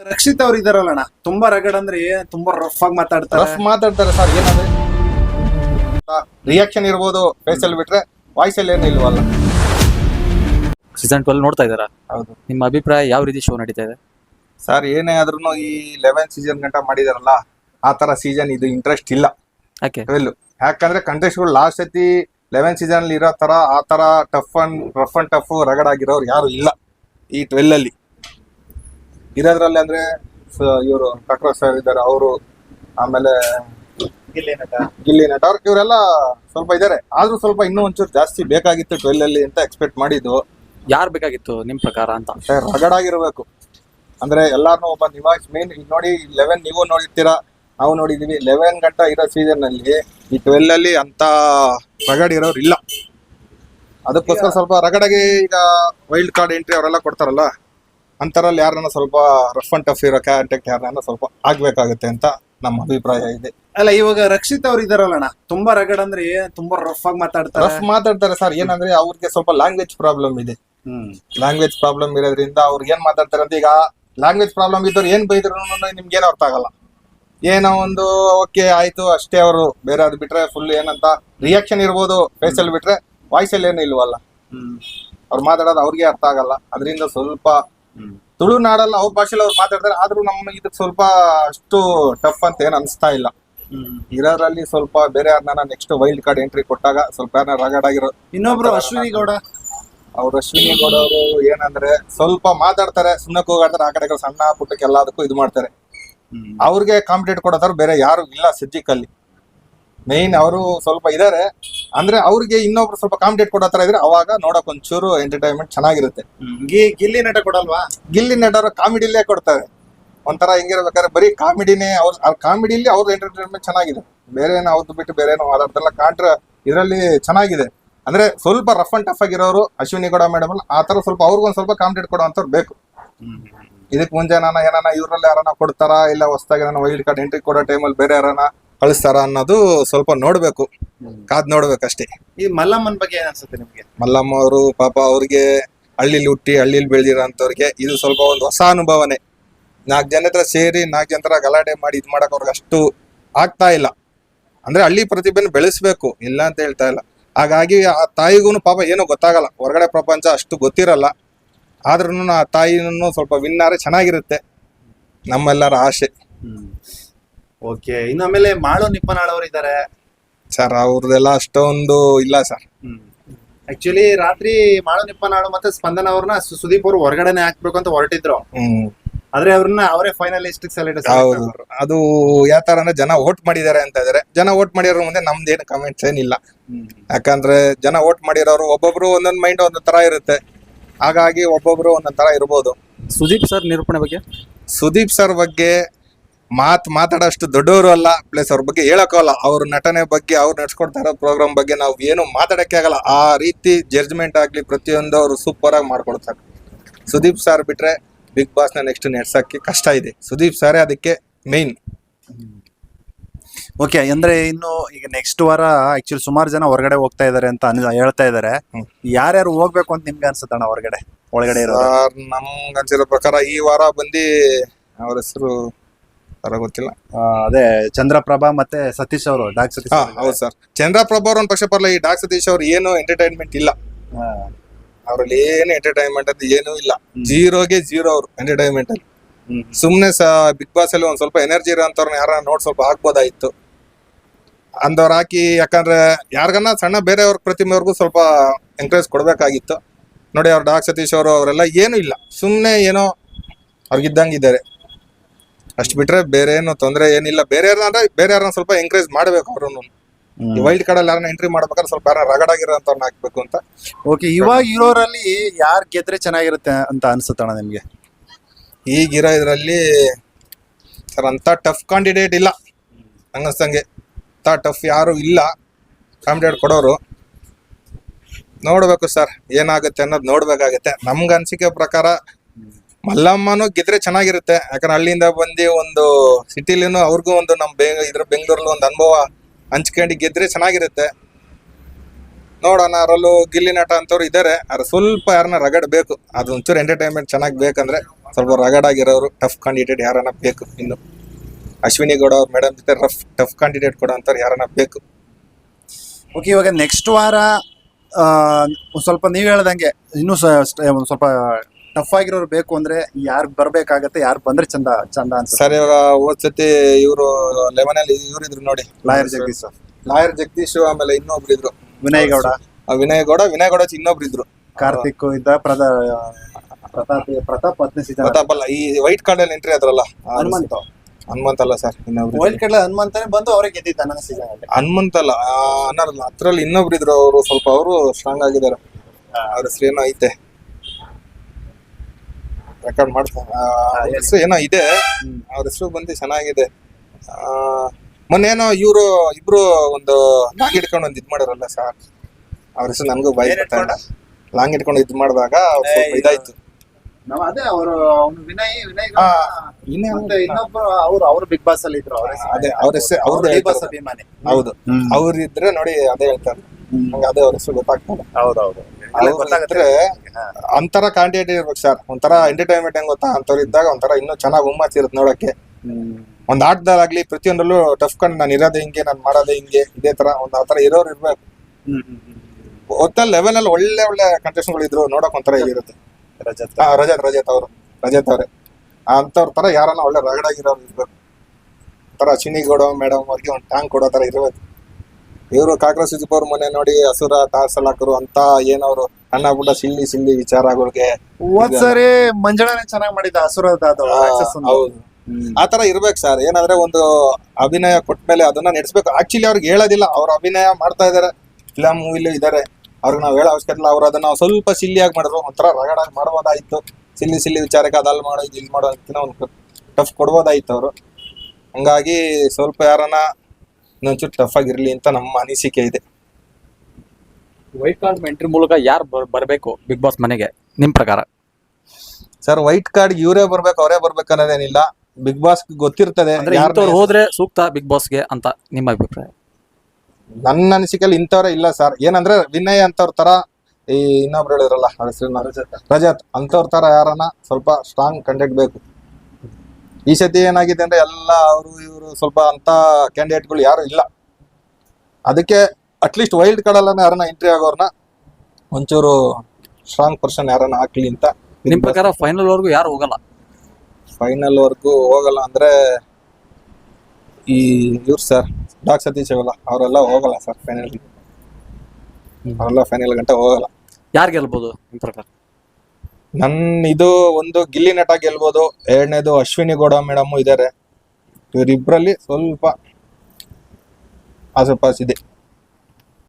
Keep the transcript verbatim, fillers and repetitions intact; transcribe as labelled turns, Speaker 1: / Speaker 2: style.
Speaker 1: ರಕ್ಷಿತ್ ಅವ್ರು ಇದಾರಲ್ಲಣ್ಣ, ತುಂಬಾ ರಗಡ್ ಅಂದ್ರೆ ತುಂಬಾ ರಫ್ ಆಗಿ ಮಾತಾಡ್ತಾರೆ.
Speaker 2: ರಫ್ ಮಾತಾಡ್ತಾರೆ ಸರ್. ಏನಂದ್ರೆ ರಿಯಾಕ್ಷನ್ ಇರ್ಬೋದು ಫೇಸಲ್ಲಿ, ಬಿಟ್ರೆ ವಾಯ್ಸ್ ಅಲ್ಲಿ ಏನು ಇಲ್ವಲ್ಲ.
Speaker 3: ಸೀಸನ್ ಟ್ವೆಲ್ ನೋಡ್ತಾ ಇದ್ದಾರಾ?
Speaker 2: ಹೌದು.
Speaker 3: ನಿಮ್ಮ ಅಭಿಪ್ರಾಯ ಯಾವ ರೀತಿ ಶೋ ನಡೀತಾ ಇದೆ
Speaker 2: ಸರ್? ಏನೇ ಆದ್ರೂ ಈ ಲೆವೆನ್ ಸೀಸನ್ ಗಂಟ ಮಾಡಿದಾರಲ್ಲ, ಆ ತರ ಸೀಸನ್ ಇದು ಇಂಟ್ರೆಸ್ಟ್ ಇಲ್ಲ.
Speaker 3: ಯಾಕೆ?
Speaker 2: ಟ್ವೆಲ್ ಯಾಕಂದ್ರೆ ಕಂಟೆಸ್ಟ್ಗಳು ಲಾಸ್ಟ್ ಸತಿ ಲೆವೆನ್ ಸೀಸನ್ ಅಲ್ಲಿ ಇರೋ ತರ ಆ ತರ tough and rough and tough rugged ಆಗಿರೋರು ಯಾರು ಇಲ್ಲ ಈ ಟ್ವೆಲ್ ಅಲ್ಲಿ ಇರೋದ್ರಲ್ಲಿ. ಅಂದ್ರೆ ಇವರು ಕಕ್ರ ಸರ್ ಇದ್ದಾರೆ, ಅವರು ಆಮೇಲೆ
Speaker 1: ಗಿಲ್ಲಿ ನಟ
Speaker 2: ಗಿಲ್ಲಿ ನಟ ಅವ್ರು ಇವರೆಲ್ಲ ಸ್ವಲ್ಪ ಇದಾರೆ. ಆದ್ರೂ ಸ್ವಲ್ಪ ಇನ್ನೂ ಒಂಚೂರು ಜಾಸ್ತಿ ಬೇಕಾಗಿತ್ತು ಟ್ವೆಲ್ ಅಲ್ಲಿ ಅಂತ ಎಕ್ಸ್ಪೆಕ್ಟ್ ಮಾಡಿದ್ದು.
Speaker 3: ಯಾರು ಬೇಕಾಗಿತ್ತು ನಿಮ್ ಪ್ರಕಾರ ಅಂತ?
Speaker 2: ರಗಡ್ ಆಗಿರ್ಬೇಕು ಅಂದ್ರೆ ಎಲ್ಲಾರನ್ನೂ ಒಬ್ಬ ನಿವಾಸ್ ಮೇನ್. ಈಗ ನೋಡಿ ಲೆವೆನ್ ನೀವು ನೋಡಿರ್ತೀರಾ, ನಾವು ನೋಡಿದೀವಿ. ಲೆವೆನ್ ಗಂಟ ಇರೋ ಸೀಸನ್ ಅಲ್ಲಿ ಈ ಟ್ವೆಲ್ ಅಲ್ಲಿ ಅಂತ ರಗಡ್ ಇರೋರು ಇಲ್ಲ. ಅದಕ್ಕೋಸ್ಕರ ಸ್ವಲ್ಪ ರಗಡಾಗಿ ಈಗ ವೈಲ್ಡ್ ಕಾರ್ಡ್ ಎಂಟ್ರಿ ಅವರೆಲ್ಲ ಕೊಡ್ತಾರಲ್ಲ, ಅಂತರಲ್ಲಿ ಯಾರನ್ನ ಸ್ವಲ್ಪ ರಫ್ ಅಂಡ್ ಟಫ್ ಇರೋ ಕ್ಯಾಂಟೆಕ್ಟ್ ಯಾರನ್ನ ಸ್ವಲ್ಪ ಆಗ್ಬೇಕಾಗುತ್ತೆ ಅಂತ ನಮ್ಮ ಅಭಿಪ್ರಾಯ ಇದೆ.
Speaker 1: ಅಲ್ಲ, ಇವಾಗ ರಕ್ಷಿತ್ ಅವ್ರು ಇದಾರಲ್ಲಣ್ಣ, ತುಂಬಾ ರಗಡ್ ಅಂದ್ರೆ ತುಂಬಾ ರಫ್ ಆಗಿ ಮಾತಾಡ್ತಾರೆ.
Speaker 2: ರಫ್ ಮಾತಾಡ್ತಾರೆ ಸರ್. ಏನಂದ್ರೆ ಅವ್ರಿಗೆ ಸ್ವಲ್ಪ ಲ್ಯಾಂಗ್ವೇಜ್ ಪ್ರಾಬ್ಲಮ್ ಇದೆ.
Speaker 1: ಹ್ಮ್
Speaker 2: ಲ್ಯಾಂಗ್ವೇಜ್ ಪ್ರಾಬ್ಲಮ್ ಇರೋದ್ರಿಂದ ಅವ್ರಿಗೆ ಏನ್ ಮಾತಾಡ್ತಾರೆ ಅಂತ, ಈಗ ಲ್ಯಾಂಗ್ವೇಜ್ ಪ್ರಾಬ್ಲಮ್ ಇದ್ದವ್ರು ಏನ್ ಬೈದ್ರು ನಿಮ್ಗೆ ಏನೋ ಅರ್ಥ ಆಗಲ್ಲ. ಏನೋ ಒಂದು ಓಕೆ ಆಯ್ತು ಅಷ್ಟೇ. ಅವರು ಬೇರೆ ಅದು ಬಿಟ್ರೆ ಫುಲ್ ಏನಂತ ರಿಯಾಕ್ಷನ್ ಇರ್ಬೋದು ಫೇಸಲ್ಲಿ, ಬಿಟ್ರೆ ವಾಯ್ಸ್ ಅಲ್ಲಿ ಏನು ಇಲ್ವಲ್ಲ.
Speaker 1: ಹ್ಮ್
Speaker 2: ಅವ್ರು ಮಾತಾಡೋದು ಅವ್ರಿಗೆ ಅರ್ಥ ಆಗಲ್ಲ. ಅದರಿಂದ ಸ್ವಲ್ಪ ತುಳುನಾಡಲ್ಲ ಅವ್ರ ಭಾಷೆಲಿ ಅವ್ರು ಮಾತಾಡ್ತಾರೆ. ಆದ್ರೂ ನಮ್ಮ ಇದಕ್ಕೆ ಸ್ವಲ್ಪ ಅಷ್ಟು ಟಫ್ ಅಂತ ಏನ್ ಅನ್ಸ್ತಾ ಇಲ್ಲ. ಇರೋದ್ರಲ್ಲಿ ಸ್ವಲ್ಪ ಬೇರೆ ಯಾರನ್ನ ನೆಕ್ಸ್ಟ್ ವೈಲ್ಡ್ ಕಾರ್ಡ್ ಎಂಟ್ರಿ ಕೊಟ್ಟಾಗ ಸ್ವಲ್ಪ ಯಾರನ್ನ ರಗಡ್ ಆಗಿರೋ.
Speaker 1: ಇನ್ನೊಬ್ರು ಅಶ್ವಿನಿ ಗೌಡ,
Speaker 2: ಅವ್ರು ಅಶ್ವಿನಿ ಗೌಡ ಅವರು ಏನಂದ್ರೆ ಸ್ವಲ್ಪ ಮಾತಾಡ್ತಾರೆ, ಸುಮ್ಮನೆ ಕೂಗಾಡ್ತಾರೆ, ಆ ಕಡೆ ಸಣ್ಣ ಪುಟ್ಟಕ್ಕೆ ಎಲ್ಲದಕ್ಕೂ ಇದು ಮಾಡ್ತಾರೆ. ಅವ್ರಿಗೆ ಕಾಂಪಿಟೇಟ್ ಕೊಡೋದಾರು ಬೇರೆ ಯಾರು ಇಲ್ಲ ಸದ್ಯಕ್ಕಲ್ಲಿ. ಮೇನ್ ಅವರು ಸ್ವಲ್ಪ ಇದಾರೆ ಅಂದ್ರೆ ಅವ್ರಿಗೆ ಇನ್ನೊಬ್ರು ಸ್ವಲ್ಪ ಕಾಂಪಿಟೇಟ್ ಕೊಡೋ ತರ ಇದ್ರೆ ಅವಾಗ ನೋಡಕ್ ಒಂಚೂರು ಎಂಟರ್ಟೈನ್ಮೆಂಟ್ ಚೆನ್ನಾಗಿರುತ್ತೆ.
Speaker 1: ಗಿಲ್ಲಿ ನಟ ಕೊಡಲ್ವಾ?
Speaker 2: ಗಿಲ್ಲಿ ನಟರು ಕಾಮಿಡಿಲೇ ಕೊಡ್ತಾರೆ. ಒಂಥರ ಹೆಂಗಿರ್ಬೇಕಾದ್ರೆ ಬರೀ ಕಾಮಿಡಿನೇ. ಅವ್ರ ಆ ಕಾಮಿಡಿಲಿ ಅವ್ರ ಎಂಟರ್ಟೈನ್ಮೆಂಟ್ ಚೆನ್ನಾಗಿದೆ. ಬೇರೆ ಏನೋ ಅವ್ರದ್ದು ಬಿಟ್ಟು ಬೇರೆ ಏನೋ ಮಾತಾಡ್ತಾರಲ್ಲ, ಕಾಂಟ್ರ ಇದರಲ್ಲಿ ಚೆನ್ನಾಗಿದೆ. ಅಂದ್ರೆ ಸ್ವಲ್ಪ ರಫ್ ಅಂಡ್ ಟಫ್ ಆಗಿರೋರು ಅಶ್ವಿನಿ ಗೌಡ ಮೇಡಮ್ ಅಲ್ಲ, ಆ ತರ ಸ್ವಲ್ಪ ಅವ್ರಿಗೊಂದ್ ಸ್ವಲ್ಪ ಕಾಂಪಿಟೇಟ್ ಕೊಡೋಂಥವ್ರು ಬೇಕು. ಇದಕ್ ಮುಂಚೆ ನಾನು ಏನಾನ ಇವ್ರಲ್ಲಿ ಯಾರನ್ನ ಕೊಡ್ತಾರಾ, ಇಲ್ಲ ಹೊಸದಾಗಿ ನಾನು ವೈಲ್ಡ್ ಕಾರ್ಡ್ ಎಂಟ್ರಿ ಕೊಡೋ ಟೈಮಲ್ಲಿ ಬೇರೆ ಯಾರನ್ನ ಕಳಿಸ್ತಾರ ಅನ್ನೋದು ಸ್ವಲ್ಪ ನೋಡ್ಬೇಕು, ಕಾದ್ ನೋಡ್ಬೇಕಷ್ಟೇ.
Speaker 1: ಈ ಮಲ್ಲಮ್ಮನ್ ಬಗ್ಗೆ ಏನ್ ಅನ್ಸುತ್ತೆ ನಿಮ್ಗೆ?
Speaker 2: ಮಲ್ಲಮ್ಮ ಅವರು ಪಾಪ ಅವ್ರಿಗೆ ಹಳ್ಳಿಲಿ ಹುಟ್ಟಿ ಹಳ್ಳಿಲಿ ಬೆಳೆದಿರೋ ಅಂತವ್ರಿಗೆ ಇದು ಸ್ವಲ್ಪ ಒಂದು ಹೊಸ ಅನುಭವನೆ. ನಾಲ್ಕು ಜನ ಹತ್ರ ಸೇರಿ ನಾಲ್ಕು ಜನ ಹತ್ರ ಗಲಾಟೆ ಮಾಡಿ ಇದ್ ಮಾಡಕ್ ಅವ್ರಿಗೆ ಅಷ್ಟು ಆಗ್ತಾ ಇಲ್ಲ. ಅಂದ್ರೆ ಹಳ್ಳಿ ಪ್ರತಿಭೆನ ಬೆಳೆಸ್ಬೇಕು, ಇಲ್ಲ ಅಂತ ಹೇಳ್ತಾ ಇಲ್ಲ. ಹಾಗಾಗಿ ಆ ತಾಯಿಗೂ ಪಾಪ ಏನೋ ಗೊತ್ತಾಗಲ್ಲ, ಹೊರಗಡೆ ಪ್ರಪಂಚ ಅಷ್ಟು ಗೊತ್ತಿರಲ್ಲ. ಆದ್ರೂ ಆ ತಾಯಿನೂ ಸ್ವಲ್ಪ ವಿನ್ನಾರೆ ಚೆನ್ನಾಗಿರುತ್ತೆ, ನಮ್ಮೆಲ್ಲರ ಆಸೆ.
Speaker 1: ಓಕೆ. ಇನ್ನು ಆಮೇಲೆ ಮಾಳು ನಿಪ್ಪನಾಳ್ ಅವ್ರು ಇದಾರೆ
Speaker 2: ಸರ್. ಅವ್ರದೆಲ್ಲ ಅಷ್ಟೊಂದು ಇಲ್ಲ ಸರ್.
Speaker 1: ಆಕ್ಚುಲಿ ರಾತ್ರಿ ಮಾಳು ನಿಪ್ಪನಾಳು ಮತ್ತೆ ಸ್ಪಂದನ ಅವ್ರನ್ನ ಸುದೀಪ್ ಅವರು ಹೊರಗಡೆನೆ ಹಾಕ್ಬೇಕು ಅಂತ ಹೊರಟಿದ್ರು.
Speaker 2: ಹ್ಮ್
Speaker 1: ಆದ್ರೆ ಅವ್ರನ್ನ ಅವರೇ ಫೈನಲಿಸ್ಟ್ ಸೆಲೆಕ್ಟ್.
Speaker 2: ಹೌದು. ಅದು ಯಾವ ತರ ಅಂದ್ರೆ ಜನ ವೋಟ್ ಮಾಡಿದ್ದಾರೆ ಅಂತ ಇದಾರೆ. ಜನ ವೋಟ್ ಮಾಡಿರೋ ಮುಂದೆ ನಮ್ದೇನು ಕಮೆಂಟ್ಸ್ ಏನಿಲ್ಲ. ಯಾಕಂದ್ರೆ ಜನ ವೋಟ್ ಮಾಡಿರೋರು ಒಬ್ಬೊಬ್ರು ಒಂದೊಂದ್ ಮೈಂಡ್ ಒಂದೊಂದ್ ತರ ಇರುತ್ತೆ. ಹಾಗಾಗಿ ಒಬ್ಬೊಬ್ರು ಒಂದೊಂದ್ ತರ ಇರ್ಬೋದು.
Speaker 3: ಸುದೀಪ್ ಸರ್ ನಿರೂಪಣೆ ಬಗ್ಗೆ?
Speaker 2: ಸುದೀಪ್ ಸರ್ ಬಗ್ಗೆ ಮಾತ್ ಮಾತಾಡೋಷ್ಟು ದೊಡ್ಡವರು ಅಲ್ಲ, ಪ್ಲಸ್ ಅವ್ರ ಬಗ್ಗೆ ಹೇಳಕ್ಕೂ ಅಲ್ಲ. ಅವ್ರ ನಟನೆ ಬಗ್ಗೆ, ಅವ್ರು ನಡ್ಸ್ಕೊಡ್ತಾ ಇರೋ ಪ್ರೋಗ್ರಾಮ್ ಬಗ್ಗೆ ನಾವು ಏನು ಮಾತಾಡಕ್ಕೆ ಆಗಲ್ಲ. ಆ ರೀತಿ ಜಡ್ಜ್ಮೆಂಟ್ ಆಗ್ಲಿ ಪ್ರತಿಯೊಂದು ಅವರು ಸೂಪರ್ ಆಗಿ ಮಾಡ್ಕೊಡ್ತಾರೆ. ಸುದೀಪ್ ಸರ್ ಬಿಟ್ರೆ ಬಿಗ್ ಬಾಸ್ ನ ನೆಕ್ಸ್ಟ್ ನಡ್ಸಕ್ಕೆ ಕಷ್ಟ ಇದೆ. ಸುದೀಪ್ ಸರ್ ಅದಕ್ಕೆ ಮೇನ್.
Speaker 1: ಓಕೆ. ಅಂದ್ರೆ ಇನ್ನು ಈಗ ನೆಕ್ಸ್ಟ್ ವಾರ ಆಕ್ಚುಲಿ ಸುಮಾರು ಜನ ಹೊರಗಡೆ ಹೋಗ್ತಾ ಇದಾರೆ ಅಂತ ಹೇಳ್ತಾ ಇದಾರೆ. ಯಾರ್ಯಾರು ಹೋಗ್ಬೇಕು ಅಂತ ನಿಮ್ಗೆ ಅನ್ಸುತ್ತಣ್ಣ ಹೊರಗಡೆ ಒಳಗಡೆ ಇರೋರು?
Speaker 2: ನಮ್ಗೆ ಅನ್ಸಿರೋ ಪ್ರಕಾರ ಈ ವಾರ ಬಂದು ಅವ್ರ ಹೆಸರು ಗೊತ್ತಿಲ್ಲ.
Speaker 1: ಅದೇ ಚಂದ್ರಪ್ರಭಾ ಮತ್ತೆ ಸತೀಶ್ ಅವರು, ಡಾಕ್ ಸತೀಶ್.
Speaker 2: ಹೌದು ಸರ್. ಚಂದ್ರಪ್ರಭಾ ಅವ್ರ ಪಕ್ಷ ಪರ್ಲ. ಈ ಡಾಕ್ ಸತೀಶ್ ಅವ್ರು ಏನು ಎಂಟರ್ಟೈನ್ಮೆಂಟ್ ಇಲ್ಲ. ಅವ್ರಲ್ಲಿ ಏನು ಎಂಟರ್ಟೈನ್ಮೆಂಟ್ ಅಂತ ಏನೂ ಇಲ್ಲ. ಜೀರೋಗೆ ಜೀರೋ ಅವ್ರು ಎಂಟರ್ಟೈನ್ಮೆಂಟ್ ಅಲ್ಲಿ. ಸುಮ್ನೆ ಸ ಬಿಗ್ ಬಾಸ್ ಅಲ್ಲಿ ಒಂದ್ ಸ್ವಲ್ಪ ಎನರ್ಜಿ ಇರೋಂಥವ್ರನ್ನ ಯಾರ ನೋಡ್ ಸ್ವಲ್ಪ ಹಾಕ್ಬೋದಾಯ್ತು ಅಂದವ್ರು ಹಾಕಿ. ಯಾಕಂದ್ರೆ ಯಾರಿಗನ್ನ ಸಣ್ಣ ಬೇರೆಯವ್ರ ಪ್ರತಿಮೆಯವ್ರಿಗೂ ಸ್ವಲ್ಪ ಎಂಕರೇಜ್ ಕೊಡ್ಬೇಕಾಗಿತ್ತು. ನೋಡಿ ಅವ್ರು ಡಾಕ್ ಸತೀಶ್ ಅವರು ಅವರೆಲ್ಲ ಏನು ಇಲ್ಲ, ಸುಮ್ನೆ ಏನೋ ಅವ್ರಿಗಿದ್ದಂಗಿದ್ದಾರೆ ಅಷ್ಟು ಬಿಟ್ರೆ ಬೇರೆ ಏನು ತೊಂದರೆ ಏನಿಲ್ಲ. ಬೇರೆ ಯಾರನ್ನ ಬೇರೆ ಯಾರನ್ನ ಸ್ವಲ್ಪ ಎಂಕರೇಜ್ ಮಾಡ್ಬೇಕು. ಅವ್ರನ್ನು ವೈಲ್ಡ್ ಕಾರ್ಡ್ ಅಲ್ಲಿ ಯಾರನ್ನ ಎಂಟ್ರಿ ಮಾಡ್ಬೇಕಾದ್ರೆ ಸ್ವಲ್ಪ ಯಾರ ರಗಡಾಗಿರೋಂಥವ್ರನ್ನ ಹಾಕ್ಬೇಕು ಅಂತ.
Speaker 1: ಓಕೆ. ಇವಾಗ ಇರೋರಲ್ಲಿ ಯಾರು ಗೆದ್ರೆ ಚೆನ್ನಾಗಿರುತ್ತೆ ಅಂತ ಅನ್ಸುತ್ತಣ್ಣ ನಿಮ್ಗೆ?
Speaker 2: ಈಗಿರೋ ಇದ್ರಲ್ಲಿ ಸರ್ ಅಂತ ಟಫ್ ಕ್ಯಾಂಡಿಡೇಟ್ ಇಲ್ಲ ನಂಗನ್ಸಂಗೆ. ಅಂತ ಟಫ್ ಯಾರು ಇಲ್ಲ ಕ್ಯಾಂಡಿಡೇಟ್ ಕೊಡೋರು. ನೋಡ್ಬೇಕು ಸರ್ ಏನಾಗುತ್ತೆ ಅನ್ನೋದು ನೋಡ್ಬೇಕಾಗತ್ತೆ. ನಮ್ಗೆ ಅನ್ಸಿಕೆ ಪ್ರಕಾರ ಮಲ್ಲಮ್ಮನು ಗೆದ್ರೆ ಚೆನ್ನಾಗಿರುತ್ತೆ. ಯಾಕಂದ್ರೆ ಹಳ್ಳಿಯಿಂದ ಬಂದು ಒಂದು ಸಿಟಿಲಿನೂ ಅವ್ರಿಗೂ ಒಂದು ನಮ್ಮ ಬೆ ಇದ್ರ ಬೆಂಗಳೂರಲ್ಲಿ ಒಂದು ಅನುಭವ ಹಂಚ್ಕೊಂಡು ಗೆದ್ರೆ ಚೆನ್ನಾಗಿರುತ್ತೆ. ನೋಡೋಣ. ಅವರಲ್ಲೂ ಗಿಲ್ಲಿ ನಟ ಅಂತವ್ರು ಇದಾರೆ. ಅದ್ರ ಸ್ವಲ್ಪ ಯಾರನ್ನ ರಗಡ್ ಬೇಕು, ಅದೊಂಚೂರು ಎಂಟರ್ಟೈನ್ಮೆಂಟ್ ಚೆನ್ನಾಗಿ ಬೇಕಂದ್ರೆ ಸ್ವಲ್ಪ ರಗಡ್ ಆಗಿರೋರು ಟಫ್ ಕ್ಯಾಂಡಿಡೇಟ್ ಯಾರನ್ನ ಬೇಕು. ಇನ್ನು ಅಶ್ವಿನಿ ಗೌಡ ಅವ್ರ ಮೇಡಮ್ ಜೊತೆ ರಫ್ ಟಫ್ ಕ್ಯಾಂಡಿಡೇಟ್ ಕೊಡೋ ಅಂತಾರೆ ಯಾರನ್ನ ಬೇಕು.
Speaker 1: ಓಕೆ, ಇವಾಗ ನೆಕ್ಸ್ಟ್ ವಾರ ಆ, ಒಂದ್ ಸ್ವಲ್ಪ ನೀವ್ ಹೇಳ್ದಂಗೆ ಇನ್ನೂ ಸ- ಸ್ಟ್- ಒಂದ್ ಸ್ವಲ್ಪ ಟಫ್ ಆಗಿರೋರು ಬೇಕು ಅಂದ್ರೆ ಯಾರು ಬರ್ಬೇಕಾಗತ್ತೆ, ಯಾರು ಬಂದ್ರೆ ಚಂದ ಚಂದ ಅನ್ಸುತ್ತೆ?
Speaker 2: ಸರ್ ಇವಾಗ ಹೋದ್ ಸತಿ ಇವರು ಲೆವೆನ್ ಅಲ್ಲಿ ಇವ್ರು ಇದ್ರು ನೋಡಿ,
Speaker 1: ಲಾಯರ್ ಜಗದೀಶ್,
Speaker 2: ಲಾಯರ್ ಜಗದೀಶ್, ಆಮೇಲೆ ಇನ್ನೊಬ್ರು ಇದ್ರು
Speaker 1: ವಿನಯ್ ಗೌಡ,
Speaker 2: ಆ ವಿನಯ್ ಗೌಡ ವಿನಯ್ ಗೌಡ ಇನ್ನೊಬ್ರು ಇದ್ರು
Speaker 1: ಕಾರ್ತಿಕ್ ಇದ್ದ, ಪ್ರದಾ ಪ್ರತಾಪ್ ಪ್ರತಾಪ್ ಹತ್ತನೇ ಸೀಸನ್,
Speaker 2: ಪ್ರತಾಪ್ ಅಲ್ಲ, ಈ ವೈಟ್ ಕಾರ್ಡ್ ಅಲ್ಲಿ ಎಂಟ್ರಿ ಆದ್ರಲ್ಲ ಆ
Speaker 1: ಹನುಮಂತ
Speaker 2: ಹನುಮಂತ್ ಅಲ್ಲ ಸರ್, ಇನ್ನೊಬ್ರು
Speaker 1: ವೈಲ್ಡ್ ಕಾರ್ಡ್ ಹನುಮಂತನೇ ಬಂದು ಅವ್ರಿಗೆ ಗೆದ್ದಿದ್ದ ಹನ್ನೊಂದನೇ ಸೀಸನ್ ಅಲ್ಲಿ.
Speaker 2: ಹನುಮಂತ್ ಅಲ್ಲ ಅನ್ನೋರಲ್ಲ, ಅದ್ರಲ್ಲಿ ಇನ್ನೊಬ್ರು ಇದ್ರು, ಅವರು ಸ್ವಲ್ಪ ಅವರು ಸ್ಟ್ರಾಂಗ್ ಆಗಿದ್ದಾರೆ. ಅವ್ರ ಹೆಸರು ಏನೋ ಐತೆ, ರೆಕಾರ್ಡ್ ಮಾಡ್ತಾರೆ, ಅವ್ರ ಹೆಸರು ಏನೋ ಇದೆ, ಅವ್ರ ಹೆಸರು ಬಂದು ಚೆನ್ನಾಗಿದೆ. ಆ ಮೊನ್ನೇನೋ ಇವ್ರು ಇಬ್ರು ಒಂದು ಲಾಂಗ್ ಇಟ್ಕೊಂಡು ಒಂದು ಇದ್ ಮಾಡಿರಲ್ಲ ಸರ್, ಅವ್ರ ಹೆಸರು ನನ್ಗೂ ಬಾಯಿ ಬರ್ತಾ ಇಲ್ಲ. ಲಾಂಗ್ ಇಟ್ಕೊಂಡು ಇದ್ ಮಾಡಿದಾಗ ಸ್ವಲ್ಪ ಇದಾಯ್ತು.
Speaker 1: ನಾವು ಅದೇ ಅವರು ಅವನು ವಿನಯ್ ವಿನಯ್
Speaker 2: ಆ,
Speaker 1: ಗೌಡ
Speaker 2: ಇನ್ನೇ
Speaker 1: ಮತ್ತೆ ಇನ್ನೊಬ್ರು ಅವ್ರು ಅವ್ರು ಬಿಗ್ ಬಾಸ್ ಅಲ್ಲಿ ಇದ್ರು, ಅವ್ರ ಹೆಸರು
Speaker 2: ಅದೇ ಅವ್ರ ಹೆಸರು ಅವ್ರದ್ದು
Speaker 1: ಬಿಗ್ ಬಾಸ್
Speaker 2: ಹೇಳ್ತಾರೆ.
Speaker 1: ಅಭಿಮಾನಿ.
Speaker 2: ಹೌದು, ಅವ್ರು ಇದ್ರೆ ನೋಡಿ ಅದೇ ಹೇಳ್ತಾರೆ, ನಂಗೆ ಅದೇ ಅವ್ರ ಹೆಸರು ಗೊತ್ತಾಗ್ತದೆ.
Speaker 1: ಹೌದೌದು,
Speaker 2: ಗೊತ್ತಾಗತ್ತೆ ಅಂತರ ಕ್ಯಾಂಡಿಡೇಟ್ ಇರ್ಬೇಕು ಸರ್, ಒಂಥರ ಎಂಟರ್ಟೈನ್ಮೆಂಟ್ ಹೆಂಗ್ ಗೊತ್ತಾ, ಅಂತವ್ರು ಇದ್ದಾಗ ಒಂಥರ ಇನ್ನೂ ಚೆನ್ನಾಗಿ ಹುಮ್ಮಸ್ ಇರುತ್ತೆ ನೋಡಕ್ಕೆ. ಒಂದ್ ಆಟದಲ್ಲಾಗ್ಲಿ ಪ್ರತಿಯೊಂದರಲ್ಲೂ ಟಫ್ ಕಂಡು ನಾನು ಇರೋದೇ ಹಿಂಗೆ, ನಾನು ಮಾಡೋದೇ ಹಿಂಗೆ, ಇದೇ ತರ ಒಂದ್ ಆತರ ಇರೋರು ಇರ್ಬೇಕು. ಒತ್ತಲ್ಲಿ ಲೆವೆಲ್ ಅಲ್ಲಿ ಒಳ್ಳೆ ಒಳ್ಳೆ ಕಂಟೆಸ್ಟ್ಗಳು ಇದ್ರು, ನೋಡಕ್ ಒಂಥರ ಇರುತ್ತೆ.
Speaker 1: ರಜತ್
Speaker 2: ಹಾ, ರಜತ್ ರಜತ್ ಅವರು ರಜತ್ ಅವ್ರೆ ಅಂತವ್ರ ತರ ಯಾರನ್ನ ಒಳ್ಳೆ ರಗಡಾಗಿರೋರು ಇರ್ಬೇಕು. ಒಂಥರ ಅಶ್ವಿನಿ ಗೌಡ ಮೇಡಮ್ ಅವ್ರಿಗೆ ಒಂದು ಟ್ಯಾಂಕ್ ಕೊಡೋ ತರ ಇರ್ಬೇಕು. ಇವರು ಕಾಕ್ರ ಸುದೀಪ್ ಅವ್ರ ಮೊನ್ನೆ ನೋಡಿ ಹಸುರ ತಾರ್ಸಲಾಕರು ಅಂತ ಏನವ್ರು ಸಣ್ಣ ಪುಟ್ಟ ಸಿಲ್ಲಿ ಸಿಲ್ಲಿ ವಿಚಾರಗಳಿಗೆ
Speaker 1: ಹೋದ್ ಸರಿ ಮಂಜುಳನೇ ಚೆನ್ನಾಗಿ ಮಾಡಿದ ಅಸುರದ ಅದು
Speaker 2: ಆ,
Speaker 1: ರಾಕ್ಷಸ ಒಂದು.
Speaker 2: ಹೌದು ಆತರ ಇರ್ಬೇಕು ಸರ್. ಏನಂದ್ರೆ ಒಂದು ಅಭಿನಯ ಕೊಟ್ಮೇಲೆ ಅದನ್ನ ನಡೆಸ್ಬೇಕು. ಆಕ್ಚುಲಿ ಅವ್ರಿಗೆ ಹೇಳೋದಿಲ್ಲ, ಅವ್ರ ಅಭಿನಯ ಮಾಡ್ತಾ ಇದಾರೆ, ಫಿಲಮ್ ಮೂವಿಲಿ ಇದಾರೆ, ಅವ್ರಿಗೆ ನಾವು ಹೇಳೋ ಅವಶ್ಯಕತೆ ಇಲ್ಲ. ಅವ್ರು ಅದನ್ನ ಸ್ವಲ್ಪ ಸಿಲ್ಲಿಯಾಗಿ ಮಾಡಿದ್ರು, ಒಂಥರ ರಗಡಾಗಿ ಮಾಡ್ಬೋದಾಯ್ತು. ಸಿಲ್ಲಿ ಸಿಲ್ಲಿ ವಿಚಾರಕ್ಕೆ ಅದಲ್ ಮಾಡೋ ಇದು ಮಾಡೋ ಅಂತಿನ ಒಂದು ಟಫ್ ಕೊಡ್ಬೋದಾಯ್ತು ಅವರು. ಹಂಗಾಗಿ ಸ್ವಲ್ಪ ಯಾರನ್ನ ಇನ್ನೊಂಚೂರು ಟಫ್ ಆಗಿರ್ಲಿ ಅಂತ ನಮ್ಮ ಅನಿಸಿಕೆ ಇದೆ.
Speaker 3: ವೈಟ್ ಕಾರ್ಡ್ ಎಂಟ್ರಿ ಮೂಲಕ ಯಾರು ಬರಬೇಕು ಬಿಗ್ ಬಾಸ್ ಮನೆಗೆ ನಿಮ್ ಪ್ರಕಾರ?
Speaker 2: ಸರ್ ವೈಟ್ ಕಾರ್ಡ್ ಇವರೇ ಬರ್ಬೇಕು, ಅವರೇ ಬರ್ಬೇಕು ಅನ್ನೋದೇನಿಲ್ಲ. ಬಿಗ್ ಬಾಸ್ ಗೊತ್ತಿರ್ತದೆ
Speaker 3: ಅಂದ್ರೆ ಇಂಥವ್ರು ಹೋದ್ರೆ ಸೂಕ್ತ ಬಿಗ್ ಬಾಸ್ಗೆ ಅಂತ ನಿಮ್ಮ ಅಭಿಪ್ರಾಯ?
Speaker 2: ನನ್ನ ಅನಿಸಿಕೆಯಲ್ಲಿ ಇಂಥವ್ರೆ ಇಲ್ಲ ಸರ್. ಏನಂದ್ರೆ ವಿನಯ್ ಅಂತವ್ರ ತರ, ಈ ಇನ್ನೊಬ್ರು ಹೇಳಿದ್ರಲ್ಲ ಅವ್ರ ಹೆಸರು ರಜತ್ ರಜತ್ ಅಂತವ್ರ ತರ ಯಾರನ್ನ ಸ್ವಲ್ಪ ಸ್ಟ್ರಾಂಗ್ ಕಂಟೆಂಟ್ ಬೇಕು. ಈ ಸತಿ ಏನಾಗಿದೆ ಅಂದ್ರೆ ಎಲ್ಲ ಅವರು ಇವರು ಸ್ವಲ್ಪ ಅಂತ ಕ್ಯಾಂಡಿಡೇಟ್ಗಳು ಯಾರು ಇಲ್ಲ. ಅದಕ್ಕೆ ಅಟ್ಲೀಸ್ಟ್ ವೈಲ್ಡ್ ಕಾರ್ಡ್ ಅಲ್ಲ ಯಾರನ್ನ ಎಂಟ್ರಿ ಆಗೋರ್ನ ಒಂಚೂರು ಸ್ಟ್ರಾಂಗ್ ಪರ್ಸನ್ ಯಾರನ್ನ ಹಾಕ್ಲಿ ಅಂತ.
Speaker 3: ನಿಮ್ ಪ್ರಕಾರ ಫೈನಲ್ ವರ್ಗು ಯಾರು ಹೋಗಲ್ಲ?
Speaker 2: ಫೈನಲ್ ವರ್ಗೂ ಹೋಗಲ್ಲ ಅಂದ್ರೆ ಈ ಇವ್ರು ಸರ್ ಡಾಕ್ ಸತೀಶ್ ಅವಲ್ಲ, ಅವರೆಲ್ಲ ಹೋಗಲ್ಲ ಸರ್ ಫೈನಲ್. ಅವರೆಲ್ಲ ಫೈನಲ್ ಗಂಟೆ ಹೋಗಲ್ಲ.
Speaker 3: ಯಾರು ಗೆಲ್ಬಹುದು ನಿಮ್ ಪ್ರಕಾರ?
Speaker 2: ನನ್ನ ಇದು ಒಂದು ಗಿಲ್ಲಿ ನಟ ಗೆಲ್ಬೋದು, ಎರಡನೇದು ಅಶ್ವಿನಿ ಗೌಡ ಮೇಡಮ್ ಇದ್ದಾರೆ. ಇವರಿಬ್ಬರಲ್ಲಿ ಸ್ವಲ್ಪ ಆಸುಪಾಸು ಇದೆ.